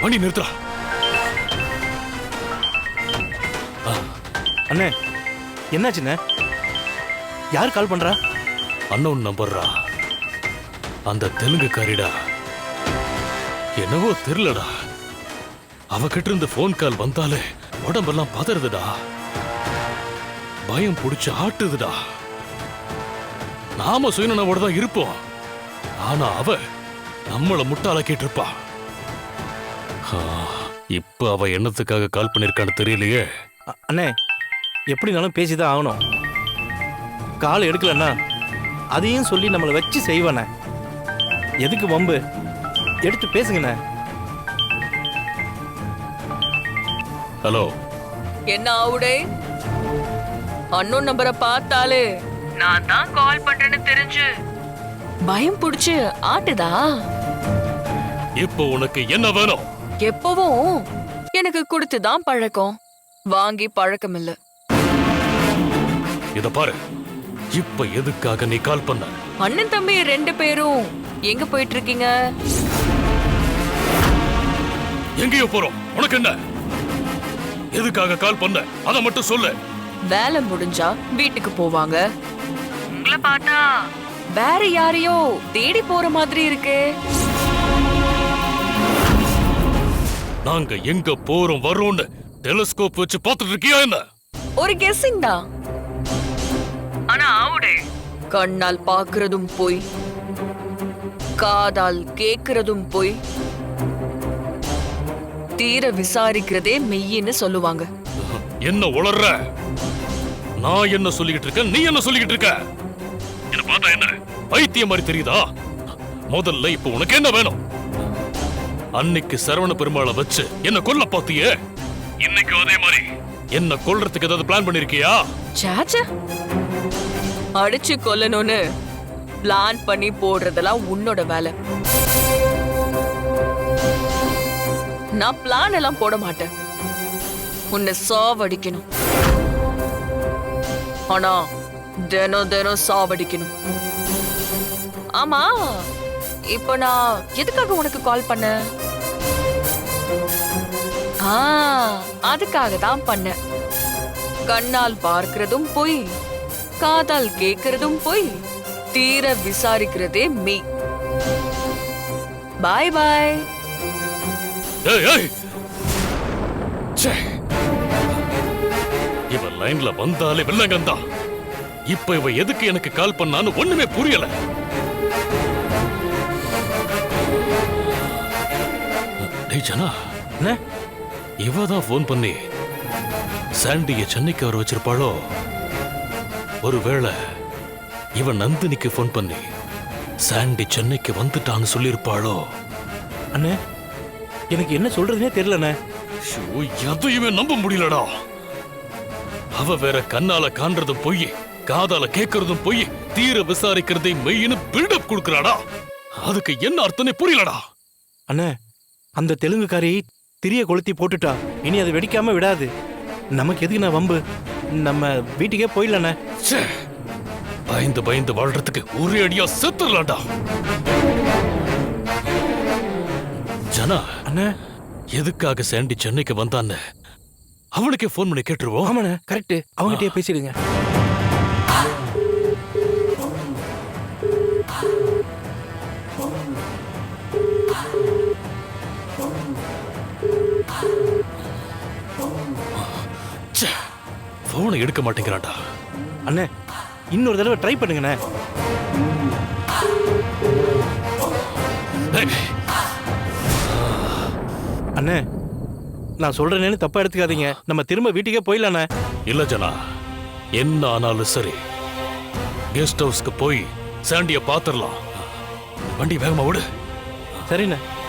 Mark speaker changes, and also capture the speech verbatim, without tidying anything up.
Speaker 1: வண்டி நிறுத்துறா.
Speaker 2: அண்ணே என்னாச்சுண்ணே? யார் கால் பண்றா?
Speaker 1: அன்னோன் நம்பர்ரா. அந்த தெலுங்கு காரிடா. என்னவோ தெரியலடா, அவகிட்ட இருந்து போன் கால் வந்தாலே உடம்பெல்லாம் பதறுதுடா, பயம் புடிச்சு ஆட்டுதுடா. நாம சுயநனவோட தான் இருப்போம், ஆனா அவ நம்மள முட்டாளாக்கிட்டு இருப்பா. இப்ப அவ என்னத்துக்காக கால் பண்ணிருக்கான்னு தெரியலையே.
Speaker 2: அண்ணே எப்படினாலும் பேசிதான் ஆகணும். கால் எடுக்கலன்னா அதையும் சொல்லி நம்மளை வச்சு செய்வானே. எதுக்கு வம்பு? எடுத்து பேசுங்கண்ணே.
Speaker 1: ஹலோ.
Speaker 3: என்ன ஆவுடே? அன்னோன் நம்பரை பார்த்தாலே நான் தான் கால் பண்றேன்னு தெரிஞ்சு பயம் புடிச்சு ஆட்டுதா?
Speaker 1: இப்போ உனக்கு என்ன வேணும்?
Speaker 3: எப்பவும் எனக்கு கொடுத்துதான் பழக்கம், வாங்கி பழக்கம் இல்ல.
Speaker 1: இத பாரு, இப்ப எதுக்காக நீ கால் பண்ண?
Speaker 3: அண்ணன் தம்பி ரெண்டு பேரும் எங்க போயிட்டு இருக்கீங்க?
Speaker 1: எங்கேயோ போறோம். உனக்கு என்ன? எதுக்காக கால் பண்ண அத மட்டும் சொல்லு.
Speaker 3: வேலை முடிஞ்சா வீட்டுக்கு போவாங்க. உங்களை பார்த்தா வேற யாரையோ தேடி போற மாதிரி இருக்கு.
Speaker 1: நாங்க எங்க போறோம் வரோம்னு டெலிஸ்கோப் வச்சு பார்த்துட்டு இருக்கியா என்ன?
Speaker 3: ஒரு கெஸ்ஸிங் தான். ஆனா ஆவுடே, கண்ணால் பாக்குறதும் போய், காதால் கேக்குறதும் போய், தீர விசாரிக்கிறதே மெய்யின்னு சொல்லுவாங்க.
Speaker 1: என்ன உளர்ற? நான் என்ன சொல்லிக்கிட்டு இருக்க, நீ என்ன சொல்லிக்கிட்டு இருக்க? என்ன பார்த்தா என்ன பைத்தியம் மாதிரி தெரியுதா? முதல்ல இப்ப உனக்கு என்ன வேணும்? அன்னைக்கு சரவண பெருமாளை வச்சு என்ன கொல்ல பாத்தியே, இன்னைக்கு அதே மாதிரி என்ன கொல்றதுக்கு ஏதாவது பிளான் பண்ணிருக்கியா?
Speaker 3: சாச்சா, அடிச்சு கொல்லணும்னு பிளான் பண்ணி போடுறதெல்லாம் உன்னோட வேலை. நான் பிளான் எல்லாம் போட மாட்டேன். உன்னை சாவடிக்கணும், ஆனா தினம் தினம் சாவடிக்கணும். ஆமா, இப்ப நான் எதுக்காக உனக்கு கால் பண்ண? ஆ, அதுக்காக தான் பண்ண. கண்ணால் பார்க்கிறதும் போய், காதால் கேட்கிறதும் போய், தீர விசாரிக்கிறதே மெய். பாய் பாய்.
Speaker 1: ஏய் ஏய், ச்சே, இவ லைன்ல வந்தாலே வெள்ளங்கந்தா. இப்ப இவ எதுக்கு எனக்கு கால் பண்ணான்னு ஒண்ணுமே புரியல. டேய் ஜனா,
Speaker 2: என்ன?
Speaker 1: இவ தான் போன் பண்ணி சாண்டிய சென்னைக்கு வர வச்சிருப்பாளோ? ஒருவேளை இவ நந்தினிக்கு போன் பண்ணி சாண்டி சென்னைக்கு வந்துட்டான்னு சொல்லியிருப்பாளோ?
Speaker 2: அண்ணே எனக்கு என்ன சொல்றதுனே தெரியலண்ணே.
Speaker 1: எதையுமே நம்ப முடியலடா. அவ வேற கண்ணால காண்றதும் பொய், காதால கேட்கறதும் பொய், தீர விசாரிக்கிறதை மெய்னு பில்டப் கொடுக்கறாடா. அதுக்கு என்ன அர்த்தமே புரியலடா.
Speaker 2: அண்ணே அந்த தெலுங்குக்காரி திரிய கொளுத்தி போட்டுட்டா. இனி அது வெடிக்காம விடாது. நமக்கு எதுக்கு நான் வம்பு? நம்ம வீட்டுக்கே போயிடலண்ணே.
Speaker 1: பயந்து பயந்து வாழ்றதுக்கு ஒரே அடியா செத்துடலாம்டா. ஜனா,
Speaker 2: அண்ணே
Speaker 1: எதுக்காக சாண்டி சென்னைக்கு வந்தான்னு அவனுக்கே போன் பண்ணி கேட்டுருவோம்.
Speaker 2: ஆமாண்ணே, கரெக்ட். அவங்ககிட்டயே பேசிடுங்க.
Speaker 1: போனை எடுக்க மாட்டேங்கிறான்டா.
Speaker 2: அண்ணே இன்னொரு தடவை ட்ரை பண்ணுங்கண்ணே. அண்ணே நான் சொல்றேன்னு தப்பா எடுத்துக்காதீங்க. நம்ம திரும்ப வீட்டுக்கே போயிடலாண்ணே.
Speaker 1: இல்ல ஜனா, என்ன ஆனாலும் சரி கெஸ்ட் ஹவுஸ்க்கு போய் சாண்டிய பாத்துரலாம். வண்டி வேகமா விடு.
Speaker 2: சரிண்ணே.